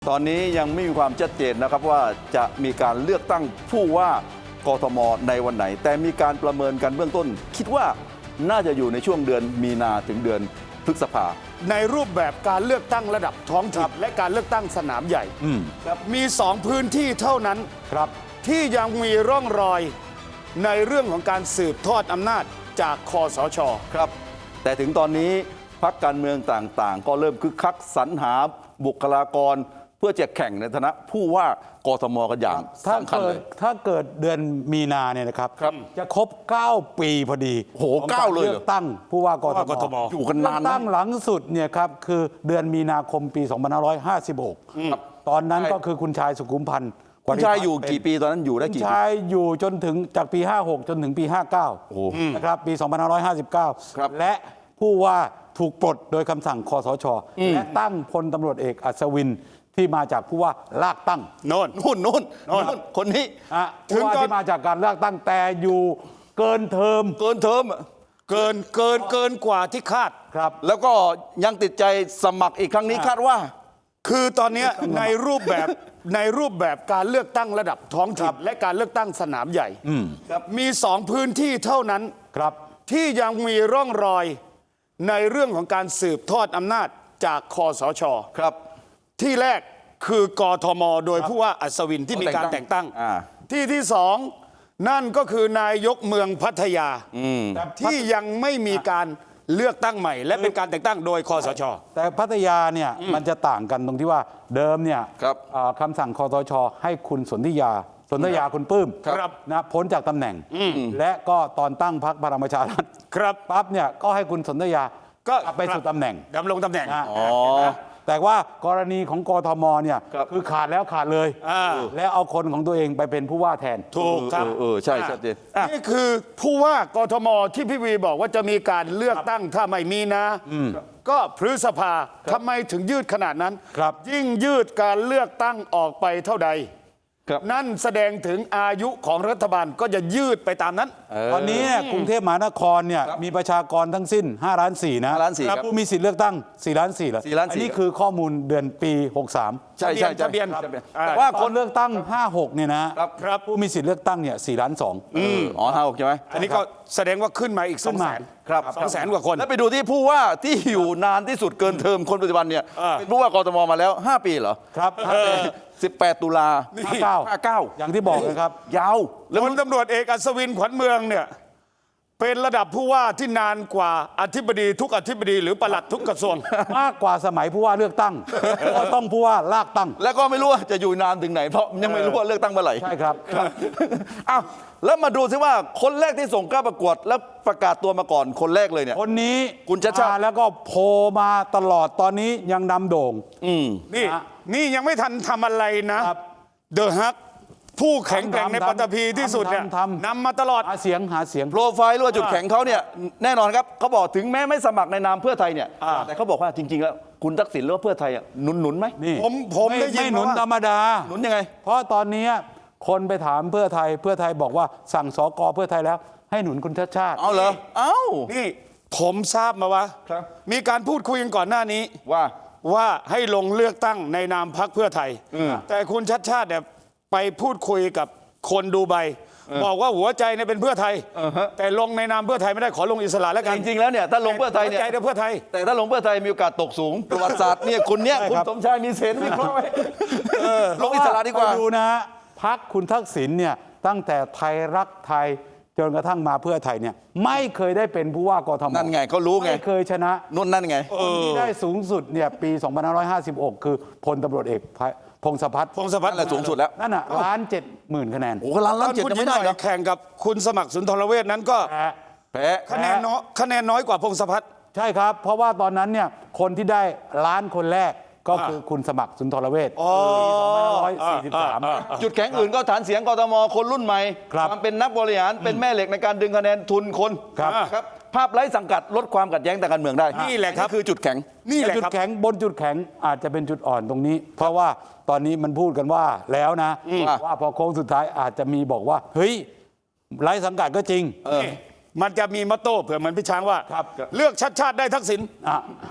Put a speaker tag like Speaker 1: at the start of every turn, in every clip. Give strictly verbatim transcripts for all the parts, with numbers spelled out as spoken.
Speaker 1: ตอนนี้ยังไม่มีความชัดเจนนะครับว่าจะมีการเลือกตั้งผู้ว่ากทมในวันไหนแต่มีการประเมินกันเบื้องต้นคิดว่าน่าจะอยู่ในช่วงเดือนมีนาถึงเดือนพฤษภา
Speaker 2: ในรูปแบบการเลือกตั้งระดับท้องถิ่นและการเลือกตั้งสนามใหญ่มีสองพื้นที่เท่านั้นครับที่ยังมีร่องรอยในเรื่องของการสืบทอดอำนาจจากคสช.
Speaker 1: ครับแต่ถึงตอนนี้พรรคการเมืองต่างๆก็เริ่มคึกคักสรรหาบุคลากรเพื่อจะแข่งในฐานะผู้ว่ากทมกันอย่างสำคัญเลย
Speaker 3: ถ้าเกิดเดือนมีนาเนี่ยนะครับจะครบเก้าปีพอดี
Speaker 1: โหเก้าเลย
Speaker 3: เลือกตั้งผู้ว่ากทม
Speaker 1: อยู่กันนานนะ
Speaker 3: ตั้งหลังสุดเนี่ยครับคือเดือนมีนาคมปีสองพันห้าร้อยห้าสิบหกตอนนั้นก็คือคุณชายสุขุมพันธ์
Speaker 1: คุณชายอยู่กี่ปีตอนนั้นอยู่ได้กี่ปี
Speaker 3: คุณชายอยู่จนถึงจากปีห้าหกจนถึงปีห้าเก้านะครับปีสองพันห้าร้อยห้าสิบเก้าและผู้ว่าถูกปลดโดยคำสั่งคสช.และตั้งพลตำรวจเอกอัศวินที่มาจากผู้ว่าลากตั้ง
Speaker 2: โน่น
Speaker 1: นู่นนู่นนู่นคนนี้
Speaker 3: ผู้ว่าที่มาจากการเลือกตั้งแต่อยู่เกินเทอม
Speaker 1: เกินเทอม
Speaker 2: เกินเกินเกินกว่าที่คาด
Speaker 1: ครับแล้วก็ยังติดใจสมัครอีกครั้งนี้คาดว่า
Speaker 2: คือตอนนี้ในรูปแบบในรูปแบบการเลือกตั้งระดับท้องถิ่นและการเลือกตั้งสนามใหญ่มีสองพื้นที่เท่านั้น
Speaker 3: ครับ
Speaker 2: ที่ยังมีร่องรอยในเรื่องของการสืบทอดอำนาจจากคสช.
Speaker 1: ครับ
Speaker 2: ที่แรกคือกทม.โดยผู้ว่าอัศวินที่มีการแต่งตั้งที่ที่สองนั่นก็คือนายกเมืองพัทยาที่ยังไม่มีการเลือกตั้งใหม่และเป็นการแต่งตั้งโดยคสช.
Speaker 3: แต่พัทยาเนี่ยมันจะต่างกันตรงที่ว่าเดิมเนี่ยคำสั่งคสช.ให้คุณสนธิยาสนธิยาคุณปื้มนะพ้นจากตำแหน่งและก็ตอนตั้งพรรคพลังประชารัฐ
Speaker 2: ครับ
Speaker 3: ปั๊บเนี่ยก็ให้คุณสนธิยาก็ไปสู่ตำแหน่ง
Speaker 2: ดำรงตำแหน่ง
Speaker 3: แต่ว่ากรณีของกทมเนี่ยคือขาดแล้วขาดเลยแล้วเอาคนของตัวเองไปเป็นผู้ว่าแทน
Speaker 2: ถูกครับ
Speaker 1: เออใช่ชัดเจน
Speaker 2: นี่คือผู้ว่ากทมที่พี่วีบอกว่าจะมีการเลือกตั้งถ้าไม่มีนะก็พฤษภาทำไมถึงยืดขนาดนั้นยิ่งยืดการเลือกตั้งออกไปเท่าใดนั่นแสดงถึงอายุของรัฐบาลก็จะยืดไปตามนั้น
Speaker 3: ตอนนี้กรุงเทพมหานครเนี่ยมีประชากรทั้งสิ้นห้าล้านสี่นะผู้มีสิทธิ์เลือกตั้งสี่ล้านสี่แล้วอันนี้คือข้อมูลเดือนปีหกสาม
Speaker 1: ใช่ใช่
Speaker 2: ทะเบียน
Speaker 3: แต่ว่าคนเลือกตั้งห้าหกเนี่ยนะครับผู้มีสิทธิ์เลือกตั้งเนี่ยสี่ล้านสอง
Speaker 1: อ๋อห้าหกใช่ไหม
Speaker 2: อันนี้ก็แสดงว่าขึ้นมาอีกสองแสน
Speaker 1: ครับ
Speaker 2: สองแสนกว่าคน
Speaker 1: แล้วไปดูที่ผู้ว่าที่อยู่นานที่สุดเกินเทอมคนปัจจุบันเนี่ยเป็นผู้ว่ากทมมาแล้วห้าปีเหรอ
Speaker 3: ครับ
Speaker 1: สิบแปดตุลา
Speaker 3: ห้าเก้า
Speaker 1: ห้าเก้า
Speaker 3: อย่างที่บอกนะครับ
Speaker 1: ยาว
Speaker 2: แล้วพลตำรวจเอกอัศวินขวัญเมืองเนี่ยเป็นระดับผู้ว่าที่นานกว่าอธิบดีทุกอธิบดีหรือปลัดทุกกระทรวง
Speaker 3: มากกว่าสมัยผู้ว่าเลือกตั้งก็ต้องผู้ว่าลากตั้ง
Speaker 1: แล้วก็ไม่รู้ว่าจะอยู่นานถึงไหนเพราะยังไม่รู้ว่าเลือกตั้งเมื่อไหร่
Speaker 3: ใช่ครับ
Speaker 1: อ้าวแล้วมาดูซิว่าคนแรกที่ส่งกล้าประกวดแล้วประกาศตัวมาก่อนคนแรกเลยเนี่ย
Speaker 3: คนนี้
Speaker 1: คุณชัชชาติ
Speaker 3: แล้วก็โผล่มาตลอดตอนนี้ยังนำโด่ง
Speaker 1: อืม
Speaker 2: นี่นี่ยังไม่ทันทำอะไรนะเดอะฮักผู้แข็งแกร่งในปัตตภีที่สุดเนี่ยนำมาตลอด
Speaker 3: หาเสียงหาเสียง
Speaker 1: โปรไฟล์หรือว่าจุดแข็งเขาเนี่ยแน่นอนครับเขาบอกถึงแม้ไม่สมัครในนามเพื่อไทยเนี่ยแต่เขาบอกว่าจริงๆแล้วคุณทักษิณหรือว่าเพื่อไทยหนุนหนุนไหม
Speaker 3: นี่
Speaker 2: ผมผมได้ยิน
Speaker 3: ไม่หนุนธรรมดา
Speaker 1: หนุนยังไง
Speaker 3: เพราะตอนนี้คนไปถามเพื่อไทยเพื่อไทยบอกว่าสั่งสกเพื่อไทยแล้วให้หนุนคุณชัชชาติ
Speaker 1: เอาเหรอเอ้า
Speaker 2: นี่ผมทราบมาว่ามีการพูดคุยกันก่อนหน้านี้
Speaker 1: ว่า
Speaker 2: ว่าให้ลงเลือกตั้งในนามพรรคเพื่อไทยแต่คุณชัชชาติเนี่ยไปพูดคุยกับคนดูไบบอกว่าหัวใจเนี่ยเป็นเพื่อไทยแต่ลงในนามเพื่อไทยไม่ได้ขอลงอิสระแล้วกัน
Speaker 1: จริงๆแล้วเนี่ยถ้าลงเพื่อไทยเนี่ย
Speaker 2: หัวใจเพื่อไทย
Speaker 1: แต่ถ้าลงเพื่อไทยมีโอกาสตกสูงประวัติศาสตร์เนี่ยคนเนี้ยคุณสมชายมีเซนวิเคราะห์ไว้ลงอิสระดีกว่า
Speaker 3: ดูนะพรรคคุณทักษิณเนี่ยตั้งแต่ไทยรักไทยจนกระทั่งมาเพื่อไทยเนี่ยไม่เคยได้เป็นผู้ว่ากทม
Speaker 1: นั่นไงเขารู้ไง
Speaker 3: ไม่เคยชนะ
Speaker 1: นู่นนั่นไง
Speaker 3: คนที่ได้สูงสุดเนี่ยปีสองพันห้าร้อยห้าสิบหกคือพลตำรวจเอกพงศพัฒน์
Speaker 2: พงศพัฒน์
Speaker 1: แหละสูงสุดแล้ว
Speaker 3: นั่นน่ะล้านเจ็ดหมื่นคะแนน
Speaker 1: โอ้ล้านล้านเจ็ดยังไม่ได้นะ
Speaker 2: แข่งกับคุณสมัครสุนทรเวชนั้นก็
Speaker 1: แพ้
Speaker 2: คะแนนน้อยคะแนนน้อยกว่าพงศพัฒน์
Speaker 3: ใช่ครับเพราะว่าตอนนั้นเนี่ยคนที่ได้ล้านคนแรกก็คือคุณสมัครสุนทรเวชปีสองพันห้าร้อยสี่สิบสาม
Speaker 1: จุดแข็งอื่นก็ฐานเสียงกทมคนรุ่นใหม่ความเป็นนักบริหารเป็นแม่เหล็กในการดึงคะแนนทุนคนครับภาพไร้สังกัดลดความขัดแย้งทางการเมืองได้
Speaker 2: นี่แหละครับ
Speaker 1: คือจุดแข็ง
Speaker 3: นี่แหละจุดแข็งบนจุดแข็งอาจจะเป็นจุดอ่อนตรงนี้เพราะว่าตอนนี้มันพูดกันว่าแล้วนะว่าพอโค้งสุดท้ายอาจจะมีบอกว่าเฮ้ยไร้สังกัดก็จริง
Speaker 2: มันจะมีมอตโต้เผื่อเหมือนพี่ช้างว่าเลือกชัดชาติได้ทักษิณ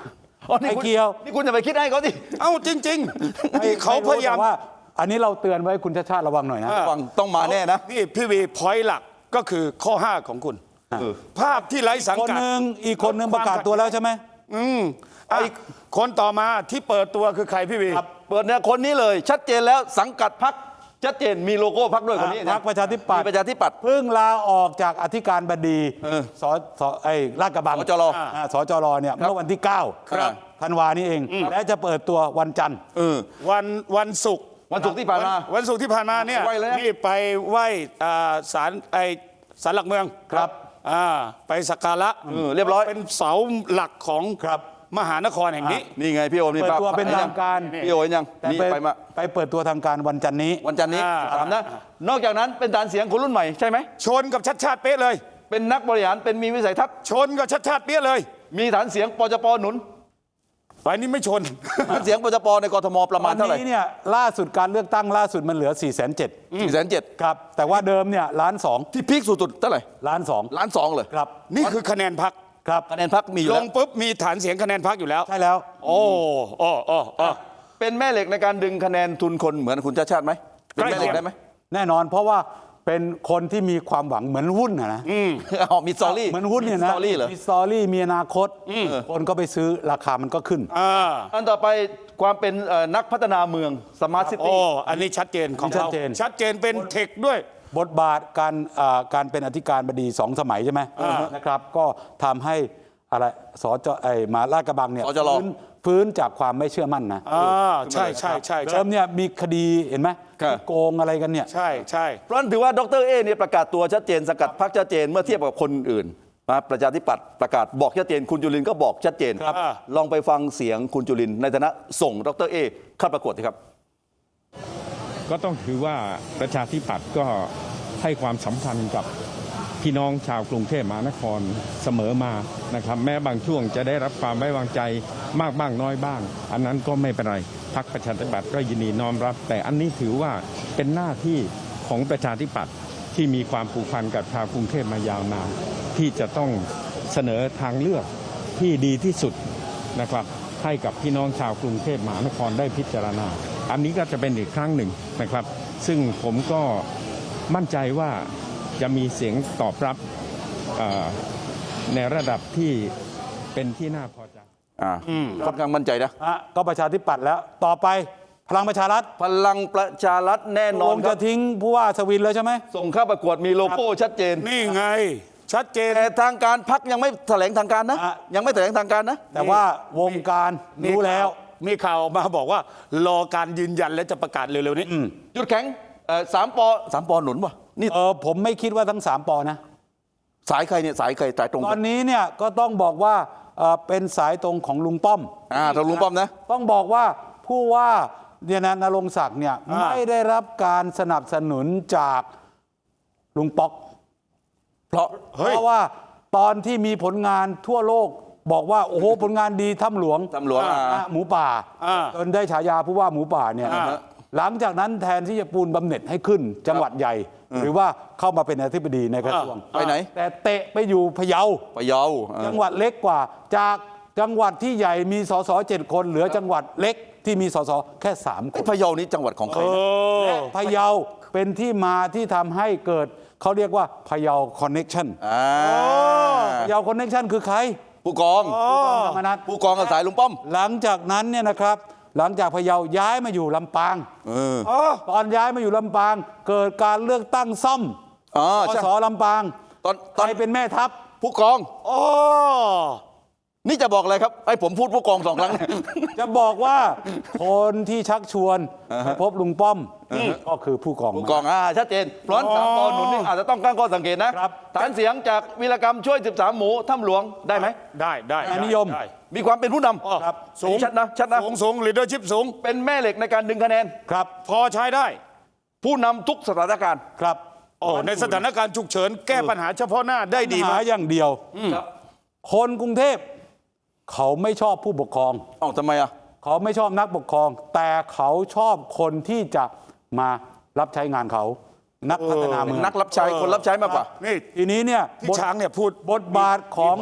Speaker 1: อ๋อนี่
Speaker 3: ไม่
Speaker 1: คุณ
Speaker 3: เกี่ยว
Speaker 1: นี่คุณจะไปคิดให้เขาสิ
Speaker 2: เอ้าจริงๆที่เขาพยายาม
Speaker 3: แต่ว่า อันนี้เราเตือนไว้คุณชาติชาติระวังหน่อยนะ
Speaker 1: ฟังต้องมาแน่นะ
Speaker 2: นี่พี่วีพอยต์หลักก็คือข้อห้าของคุณ
Speaker 1: เออ
Speaker 2: ภาพที่ไร้สัง
Speaker 3: คน
Speaker 2: กัด
Speaker 3: หนึ่งอีกคนหนึ่งประกาศตัวแล้วใช่ไหม
Speaker 2: อืมอ่ะคนต่อมาที่เปิดตัวคือใครพี่วี
Speaker 1: เปิดเนี่ยคนนี้เลยชัดเจนแล้วสังกัดพรรคชัดเจนมีโลโก้พรรคด้วยคนนี้
Speaker 3: พรรคประชาธิปัตย์
Speaker 1: มีประชาธิปัตย์
Speaker 3: เพิ่งลาออกจากอธิการบดี
Speaker 1: เออ
Speaker 3: สสไอ้ลาดกระบัง
Speaker 1: สจร
Speaker 3: อ่าสจรเนี่ยเมื่อวันที่เก้า
Speaker 1: ครับ
Speaker 3: ธันวานี้เอง และจะเปิดตัววันจันทร์
Speaker 1: เออ
Speaker 2: วันวันศุกร์
Speaker 1: วันศุกร์ที่ผ่านมา
Speaker 2: วันศุกร์ที่ผ่านมาเนี่ย
Speaker 1: ไหว้เลยนะ
Speaker 2: นี่ไปไหว้อ่าศาลไอศาลหลักเมือง
Speaker 3: ครับ
Speaker 2: อ่าไปสักการะ
Speaker 1: เออเรียบร้อย
Speaker 2: เป็นเสาหลักของ
Speaker 3: ครับ
Speaker 2: มหานครแห่งนี้
Speaker 1: นี่ไงพี่โอมนี่
Speaker 3: เปิดตัว
Speaker 1: ภาพ
Speaker 3: เป็นทางการ
Speaker 1: พี่โอเห็นยัง
Speaker 3: แต่
Speaker 1: นี่
Speaker 3: ไป
Speaker 1: ไปมา
Speaker 3: ไปเปิดตัวทางการวันจันทร์นี้
Speaker 1: วันจันทร์นี้
Speaker 2: อ่า
Speaker 1: ถามนะนอกจากนั้นเป็นฐานเสียงคนรุ่นใหม่ใช่ไหม
Speaker 2: ชนกับชัดชาติเป๊ะเลย
Speaker 1: เป็นนักบริหารเป็นมีวิสัยทัศน์
Speaker 2: ชนกับชัดชาติเป๊ะเลย
Speaker 1: มีฐานเสียงปจปหนุน
Speaker 2: ไปนี่ไม่ชน
Speaker 1: ฐานเสียงปจปในกทมประมาณ
Speaker 3: ต
Speaker 1: เท่า
Speaker 3: อน
Speaker 1: ไหร่
Speaker 3: นี้เนี่ยล่าสุดการเลือกตั้งล่าสุดมันเหลือ4ี่แสนเจ็ด
Speaker 1: สี่แสนเจ็ด
Speaker 3: ครับแต่ว่าเดิมเนี่ยล้านสอง
Speaker 1: ที่พีคสุดๆเท่าไหร่
Speaker 3: ล้านสอง
Speaker 1: ล้านสองเลย
Speaker 3: ครับ
Speaker 2: นี่คือคะแนนพัก
Speaker 3: ครับ
Speaker 1: คะแนนพรรคมีอยู่
Speaker 2: ล
Speaker 1: แล้ว
Speaker 2: งปุ๊บมีฐานเสียงคะแนนพักอยู่แล้ว
Speaker 3: ใช่แล้ว
Speaker 2: โอ้โอ้โอ้โอ้
Speaker 1: เป็นแม่เหล็กในการดึงคะแนนทุนคนเหมือนคุณชาติชาติไหมเป็นแม่เหล็กได้ไหม
Speaker 3: แน่นอนเพราะว่าเป็นคนที่มีความหวังเหมือนหุ้นนะนะ
Speaker 1: อ๋อมีสตอรี่
Speaker 3: เหมือนหุ้นเนี่ย
Speaker 1: มี
Speaker 3: นะ
Speaker 1: สตอรี่เหรอ
Speaker 3: มีสตอรี่มีอนาคตคนก็ไปซื้อราคามันก็ขึ้น
Speaker 2: อ่า
Speaker 1: อันต่อไปความเป็นเอ่อนักพัฒนาเมืองสมาร์ทซิ
Speaker 2: โอ้
Speaker 1: ตี้
Speaker 2: อันนี้ชัดเจนของ
Speaker 3: ชัด
Speaker 2: เขา
Speaker 3: เจน
Speaker 2: ชัดเจนเป็นเทคด้วย
Speaker 3: บทบาทการอ่าการเป็นอธิการบดีสองสมัยใช่ไหมนะครับ ก็ทำให้อะไรสจไอ้มาลาดกระบังเนี่ย
Speaker 1: สจร
Speaker 3: ฟื้นฟื้นจากความไม่เชื่อมั่นนะ
Speaker 2: อ่าใช่ใช่ใช่ใช่
Speaker 3: เดิมเนี่ยมีคดีเห็นไหม
Speaker 1: ครับ
Speaker 3: ที่โกงอะไรกันเนี่ย
Speaker 2: ใช่ใช่
Speaker 1: เพราะฉะนั้นถือว่าดรเอเนี่ยประกาศตัวชัดเจนสกัดพรรคชัดเจนเมื่อเทียบกับคนอื่นนะประชาธิปัตย์ประกาศบอกชัดเจนคุณจุลินทร์ก็บอกชัดเจน
Speaker 3: ครับ
Speaker 1: ลองไปฟังเสียงคุณจุลินทร์ในฐานะส่งดรเอเข้าประกวดสิครับ
Speaker 4: ก็ต้องถือว่าประชาธิปัตย์ก็ให้ความสำคัญกับพี่น้องชาวกรุงเทพมหานครเสมอมานะครับ แม้บางช่วงจะได้รับความไว้วางใจมากบ้างน้อยบ้าง อันนั้นก็ไม่เป็นไรพรรคประชาธิปัตย์ก็ยินดีน้อมรับ แต่อันนี้ถือว่าเป็นหน้าที่ของประชาธิปัตย์ที่มีความผูกพันกับชาวกรุงเทพมายาวนานที่จะต้องเสนอทางเลือกที่ดีที่สุดนะครับให้กับพี่น้องชาวกรุงเทพมหานครได้พิจารณา อันนี้ก็จะเป็นอีกครั้งหนึ่งนะครับ ซึ่งผมก็มั่นใจว่าจะมีเสียงตอบรับเอ่อในระดับที่เป็นที่น่าพอใจ
Speaker 1: อ่าค่อนข้างมั่นใจนะ
Speaker 3: อ่ะก็ประชาธิปัตย์แล้วต่อไปพลังประชารัฐ
Speaker 1: พลังประชารัฐแน่น
Speaker 3: ล
Speaker 1: อน
Speaker 3: ง
Speaker 1: ค
Speaker 3: จะ
Speaker 1: รับ
Speaker 3: ทิ้งผู้ว่าสวินแล้วใช่ไหม
Speaker 1: ส่งเข้าประกวดมีโลโก้ชัดเจน
Speaker 2: นี่ไง ชัดเจน
Speaker 1: แต่ทางการพักยังไม่แถลงทางการนะ
Speaker 3: อ่ะ
Speaker 1: ยังไม่แถลงทางการนะ
Speaker 3: แต่ว่าวงการรู้แล้ว
Speaker 2: มีข่าวออกมาบอกว่ารอการยืนยันและจะประกาศเร็วๆนี้
Speaker 1: จุดแข็งเอ่อสามปอสามปอหนุนป่ะนี่
Speaker 3: เออผมไม่คิดว่าทั้งสามปอนะ
Speaker 1: สายใครเนี่ยสายใครสายตรง
Speaker 3: ตอนนี้เนี่ยก็ต้องบอกว่าเอ่อเป็นสายตรงของลุงป้อม
Speaker 1: อ่าทางลุงป้อมนะ
Speaker 3: ต้องบอกว่าผู้ว่าเนี่ยนะนรงศักดิ์เนี่ย
Speaker 2: อ่า
Speaker 3: ไม่ได้รับการสนับสนุนจากลุงป๊อก
Speaker 1: เพราะ
Speaker 3: เพราะว่าตอนที่มีผลงานทั่วโลกบอกว่าโอ้โหผลงานดีถ้ำหลวง
Speaker 1: ตำรวจอ่า
Speaker 3: อ่ะหมูป่า
Speaker 2: อ่า
Speaker 3: จนได้ฉายาผู้ว่าหมูป่าเนี่ย
Speaker 2: อ่า
Speaker 3: หลังจากนั้นแทนที่จะปูนบำเหน็จให้ขึ้นจังหวัดใหญ่ หรือว่าเข้ามาเป็นอธิบดีในกระทรวง
Speaker 1: ไปไหน
Speaker 3: แต่เตะไปอยู่พะเยา
Speaker 1: พะเยาอ่า
Speaker 3: จังหวัดเล็กกว่า จากจังหวัดที่ใหญ่มีสสเจ็ดคนเหลือจังหวัดเล็กที่มีสสแค่สามคน
Speaker 1: พะเยานี้จังหวัดของใคร
Speaker 2: เอ
Speaker 1: นะ
Speaker 2: อ
Speaker 3: และพะเยาเป็นที่มาที่ทำให้เกิดเขาเรียกว่าพะเยาคอนเน็กชัน
Speaker 1: อ่า
Speaker 3: พะเยาคอนเน็กชันคือใคร
Speaker 1: ผู้กอง
Speaker 3: ธรรมนัฐ
Speaker 1: ผู้กองกับสายลุงป้อม
Speaker 3: หลังจากนั้นเนี่ยนะครับ หลังจากพะเยาย้ายมาอยู่ลำปาง
Speaker 1: เออ
Speaker 3: ตอนย้ายมาอยู่ลำปาง เกิดการเลือกตั้งซ่อม
Speaker 1: อ๋อ
Speaker 3: ส
Speaker 1: ใช่
Speaker 3: สลำปาง
Speaker 1: ตอนต
Speaker 3: ใค
Speaker 1: อ
Speaker 3: ร
Speaker 1: น
Speaker 3: เป็นแม่ทัพ
Speaker 1: ผู้กอง
Speaker 2: โอ้
Speaker 1: นี่จะบอกอะไรครับไอ้ผมพูดผู้กองสองครั้ง
Speaker 3: จะบอกว่าคนที่ชักชวนไปพบลุงป้อมก็คือผู้กอง
Speaker 1: ผู้กองอ่าชัดเจนเพราะฉะนั้นสามปอหนุนนี่อาจจะต้องตั้งข้อสังเกตนะครับ ฐานเสียงจากวีรกรรมช่วยสิบสามหมูถ้ำหลวงได้ไหม
Speaker 2: ได้ได้
Speaker 3: อันนิยม
Speaker 2: ได้
Speaker 1: มีความเป็นผู้น
Speaker 2: อ๋อ
Speaker 1: ำ
Speaker 2: ครับสูง
Speaker 1: ชัดนะชัดนะ
Speaker 2: สูงสูง leadership สูง
Speaker 1: เป็นแม่เหล็กในการดึงคะแนน
Speaker 3: ครับ
Speaker 2: พอใช้ได้
Speaker 1: ผู้นำทุกสถานการณ์
Speaker 3: ครับ
Speaker 2: โอ้ในสถานการณ์ฉุกเฉินแก้ปัญหาเฉพาะหน้าได้ดี
Speaker 3: ปัญ
Speaker 2: มา
Speaker 3: หาก อย่างเดียว
Speaker 1: ครับ
Speaker 3: คนกรุงเทพเขาไม่ชอบผู้ปกครอง
Speaker 1: เอ้าทำไมอ่ะ
Speaker 3: เขาไม่ชอบนักปกครอง แต่เขาชอบคนที่จะมารับใช้งานเขา นักพัฒนา
Speaker 1: เป็
Speaker 3: เมื
Speaker 1: น
Speaker 3: อง
Speaker 1: นักรับใช้คนรับใช้มากกว่า
Speaker 2: นี่
Speaker 3: ทีนี้เนี่ย
Speaker 2: ที่
Speaker 3: บท
Speaker 2: ช้างเนี่ยพูด
Speaker 3: บทบาทของ
Speaker 2: มีผล
Speaker 3: ผ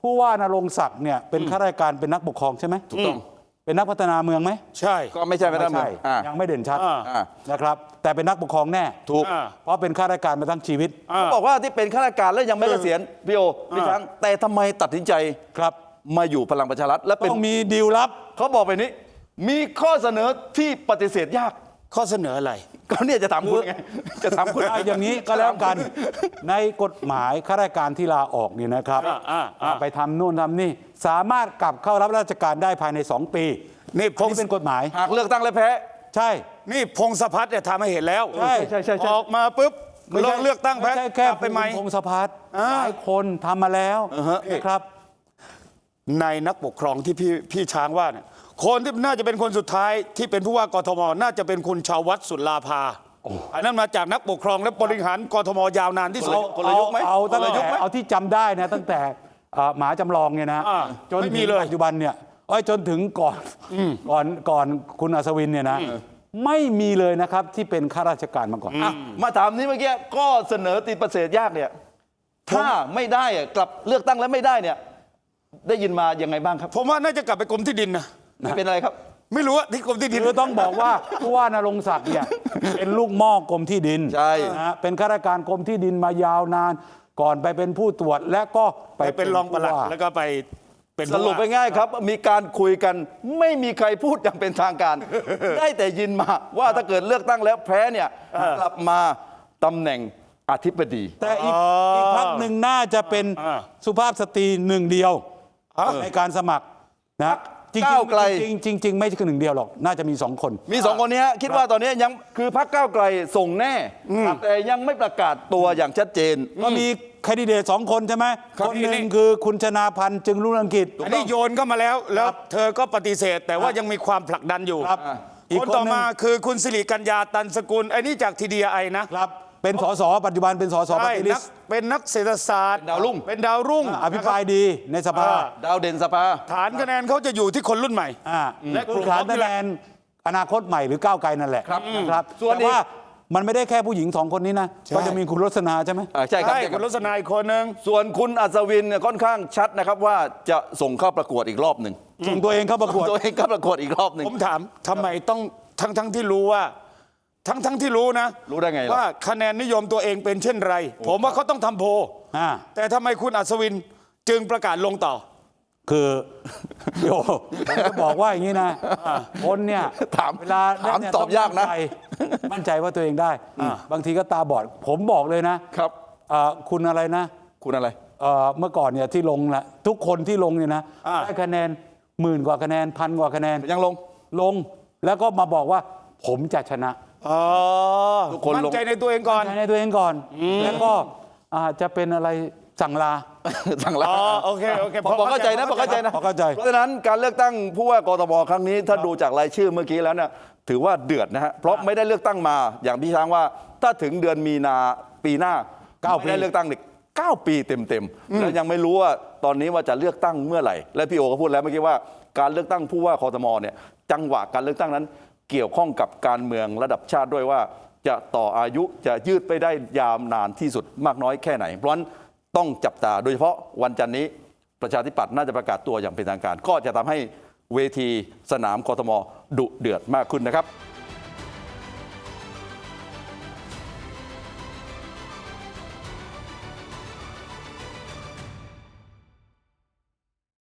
Speaker 3: ผู้ว่านรงค์ศักดิ์เนี่ยเป็นข้าราชการเป็นนักปกครองใช่ไหม
Speaker 1: ถูกต้อง
Speaker 3: เป็นนักพัฒนาเมืองไหม
Speaker 2: ใช่
Speaker 1: ก็ไม่ใช่ไม่ได้
Speaker 3: ไม่
Speaker 1: มา
Speaker 3: ใช่
Speaker 1: อ่า
Speaker 3: ยังไม่เด่นชัด
Speaker 2: อ่า
Speaker 1: อ่า
Speaker 3: นะครับ แต่เป็นนักปกครองแน่
Speaker 1: ถูก
Speaker 2: อ่า
Speaker 3: เพราะเป็นข้าราชการมาตั้งชีวิต
Speaker 2: อ่า
Speaker 1: เขาบอกว่าที่เป็นข้าราชการแล้วยังไม่เกษียณพี่โอพี่ช้างแต่ทำไมตัดสินใจ
Speaker 3: ครับ
Speaker 1: มาอยู่พลังประชารัฐและเป็น
Speaker 3: ต้องมีดีลลับ
Speaker 1: เขาบอกไปนี้ มีข้อเสนอที่ปฏิเสธยาก
Speaker 2: ข้อเสนออะไร
Speaker 1: ก็เนี่ยจะถามคุณไงจะถามคุณ
Speaker 3: เอาอย่างนี้ก็แล้วกัน ในกฎหมายข้าราชการที่ลาออกนี่นะครับ
Speaker 2: อ่าอ่าอ่า
Speaker 3: ไปทำนู่นทำนี่ สามารถกลับเข้ารับราชการได้ภายในสองปี
Speaker 2: นี่พ
Speaker 3: อัน
Speaker 2: ง
Speaker 3: นี้เป็นกฎหมาย
Speaker 1: หากเลือกตั้งและแพ้
Speaker 3: ใช่
Speaker 2: นี่พงศพัฒน์เนี่ยทำให้เห็นแล้ว
Speaker 3: ใช่
Speaker 1: ใช่ใช่ใช่
Speaker 2: ออกมาปุ๊บ
Speaker 3: ไม่ใช่
Speaker 2: เลือกตั้งแพ้
Speaker 3: ไม่ใช่แค่
Speaker 2: กลับไปไหม
Speaker 3: คุณพงศพัฒน์
Speaker 2: อ่า
Speaker 3: หลายคนทำมาแล้ว
Speaker 1: อ่าฮะ
Speaker 3: นะครับ
Speaker 2: ในนักปกครองที่พี่พี่ช้างว่าเนี่ยคนที่น่าจะเป็นคนสุดท้ายที่เป็นผู้ว่ากทมน่าจะเป็นคุณชาววัฒน์สุลาภาอันนั้นมาจากนักปกครองและบริหารกทมยาวนานที่สุด
Speaker 1: คนละยุคไหม
Speaker 3: เอาตั้ง
Speaker 1: คนละยุ
Speaker 3: แต่
Speaker 1: คไหม
Speaker 3: เอาที่จำได้นะตั้งแต่เอ่อหมาจำลองเนี่ยนะ
Speaker 2: อ่า
Speaker 3: จน
Speaker 2: ไม่มี
Speaker 3: ถึง
Speaker 2: เลย
Speaker 3: ปัจจุบันเนี่ยเอ้ยจนถึงก่อนก่อนก่อนคุณอัศวินเนี่ยนะไม่มีเลยนะครับที่เป็นข้าราชการมาก่อน
Speaker 1: อ่ะมาถามนี้เมื่อกี้ก็เสนอติดประเสริฐยากเนี่ย ถ้าไม่ได้อะกลับเลือกตั้งแล้วไม่ได้เนี่ย ได้ยินมายังไงบ้างครับ
Speaker 2: ผมว่าน่าจะกลับไปกรมที่ดินนะ
Speaker 1: ไม่เป็นอะไรครับ
Speaker 2: ไม่รู้ว่าที่กรมที่ดิน
Speaker 3: คือต้องบอกว่าผู้ว่านรงค์ศักดิ์เนี่ยเป็นลูกหม้อกรมที่ดิน
Speaker 1: ใช่
Speaker 3: นะฮะเป็นข้าราชการกรมที่ดินมายาวนาน ก่อนไปเป็นผู้ตรวจและก็ไป
Speaker 2: ไปเป็นรองปลัด
Speaker 3: ผู้ว่า
Speaker 2: แล้วก็ไปเป็น
Speaker 1: สรุปไป
Speaker 2: ผู้ว่า
Speaker 1: ง่ายครับ มีการคุยกันไม่มีใครพูดอย่างเป็นทางการ ได้แต่ยินมาว่าถ้าเกิดเลือกตั้งแล้วแพ้เนี่ยกลับมาตำแหน่งอธิบดี
Speaker 3: แต่อีกอีกพักหนึ่งน่าจะเป็น
Speaker 2: อ่า
Speaker 3: สุภาพสตรีหนึ่งเดียวในการสมัครนะจริง
Speaker 1: ก้าวไกล
Speaker 3: ๆจริงๆจริงๆจริงๆไม่ใช่หนึ่งเดียวหรอก น่าจะมีสองคน
Speaker 1: มีสองคนนี้ฮะคิดว่าตอนนี้ยังคือพรรคก้าวไกลส่งแน่ แต่ยังไม่ประกาศตัวอย่างชัดเจน
Speaker 3: ก็มีแคนดิเดตสองคนใช่ไหม
Speaker 2: ครับ
Speaker 3: คนหนึ่งคือคุณชนาพันธ์จึงรุ่งเรืองกิจ
Speaker 2: อันนี้โยนเข้ามาแล้ว แล้วเธอก็ปฏิเสธ แต่ว่ายังมีความผลักดันอยู่
Speaker 3: ครับอีก
Speaker 2: คน
Speaker 3: คน
Speaker 2: ต่อ
Speaker 3: หนึ่ง
Speaker 2: มาคือคุณสิริกัญญาตันสกุลไอ้นี่จากทีดีไอนะ
Speaker 3: ครับเป็นสสปัจจุบันเป็นสสป
Speaker 2: ใช่
Speaker 3: ฏิริ
Speaker 2: นัก
Speaker 3: ษี
Speaker 2: เป็นนักเศรษฐศาสตร์
Speaker 1: เป็นดาวรุ่ง
Speaker 2: เป็นดาวรุ่ง
Speaker 3: อภิปรายดีในสภา
Speaker 2: อ่า
Speaker 1: ดาวเด่นสภา
Speaker 2: ฐานคะแนนเขาจะอยู่ที่คนรุ่นใหม่
Speaker 3: อ่า
Speaker 2: และ
Speaker 3: และ
Speaker 2: กลุ่ม
Speaker 3: ฐาน
Speaker 2: ของนี่
Speaker 3: คะ
Speaker 2: แห
Speaker 3: แน
Speaker 2: ละ
Speaker 3: นอนาคตใหม่หรือก้าวไกลนั่นแหละ
Speaker 1: ครับ
Speaker 3: นะครับ
Speaker 1: ส่วน
Speaker 3: แต่
Speaker 1: อีก
Speaker 3: ว่ามันไม่ได้แค่ผู้หญิงสองคนนี้นะ
Speaker 2: ใช่
Speaker 3: ก็จะมีคุณรสนาใช่ไหม
Speaker 1: อ่าใช่ครับ
Speaker 2: ใช่
Speaker 1: ใช่ค
Speaker 2: คุ
Speaker 1: รับ
Speaker 2: ณรสนาอีกคนหนึ่ง
Speaker 1: ส่วนคุณอัศวินเนี่ยค่อนข้างชัดนะครับว่าจะส่งเข้าประกวดอีกรอบหนึ่ง
Speaker 3: ส่งตัวเองเข้าประกวด
Speaker 1: ตัวเองเข้าประกวดอีกรอบหนึ่ง
Speaker 2: ผมถามทำไมต้องทั้งทั้งที่รู้ว่า ทั้งทั้งที่รู้นะ
Speaker 1: รู้ได้ไงล่ะ
Speaker 2: ว่าคะแนนนิยมตัวเองเป็นเช่นไร ผมว่าเขาต้องทำโพล
Speaker 3: อ่า
Speaker 2: แต่ทำไมคุณอัศวินจึงประกาศลงต่อ
Speaker 3: คือโยผมจะบอกว่าอย่างนี้นะคนเนี่ย
Speaker 1: ถาม
Speaker 3: เวลา
Speaker 1: ถาม
Speaker 3: เล่นเนี่ย
Speaker 1: ตอบยากนะ
Speaker 3: มั่ใจมั่นใจว่าตัวเองได้ บางทีก็ตาบอด ผมบอกเลยนะครับ เอ่อคุณอะไรนะ
Speaker 1: คุณอะไร
Speaker 3: เอ่อเมื่อก่อนเนี่ยที่ลงแหละทุกคนที่ลงเนี่ยนะ
Speaker 2: อ่า
Speaker 3: ได้คะแนนหมื่นกว่าคะแนนพันกว่าคะแนน
Speaker 1: ยังลง
Speaker 3: ลงแล้วก็มาบอกว่าผมจะชนะ
Speaker 2: อ๋อ
Speaker 1: ทุกคน
Speaker 2: มั่
Speaker 1: ล
Speaker 2: น
Speaker 1: ง
Speaker 2: ใจในตัวเองก่อน
Speaker 3: ใจในตัวเองก่อน แล้วก็อาจจะเป็นอะไรสั่งลา
Speaker 1: สั่งลา
Speaker 2: อ๋อโอเคโอเค
Speaker 1: พอพอเข้าใจนะพอเข้าใจนะ
Speaker 3: พอเข้าใจ
Speaker 1: เพราะฉะนั้นการเลือกตั้งผู้ว่ากทมครั้งนี้ถ้าดูจากรายชื่อเมื่อกี้แล้วเนี่ยถือว่าเดือดนะฮะเพราะไม่ได้เลือกตั้งมาอย่างพี่ช้างว่าถ้าถึงเดือนมีนาปีหน้า
Speaker 3: เก้าปี
Speaker 1: ไม่ได้เลือกตั้งเนี่ยเก้าปีเต็มๆแล้วยังไม่รู้ว่าตอนนี้ว่าจะเลือกตั้งเมื่อไหร่ และพี่โอก็พูดแล้วเมื่อกี้ว่าการเลือกตั้งผู้ว่ากทมเนี่ยจังหวะการเลือกตั้งนั้นเกี่ยวข้องกับการเมืองระดับชาติด้วยว่า จะต่ออายุจะยืดไปได้ยาวนานที่สุดมากน้อยแค่ไหน เพราะฉะนั้นต้องจับตาโดยเฉพาะวันจันทร์นี้ประชาธิปัตย์น่าจะประกาศตัวอย่างเป็นทางการ ก็จะทำให้เวทีสนามกทมดุเดือดมากขึ้นนะครับ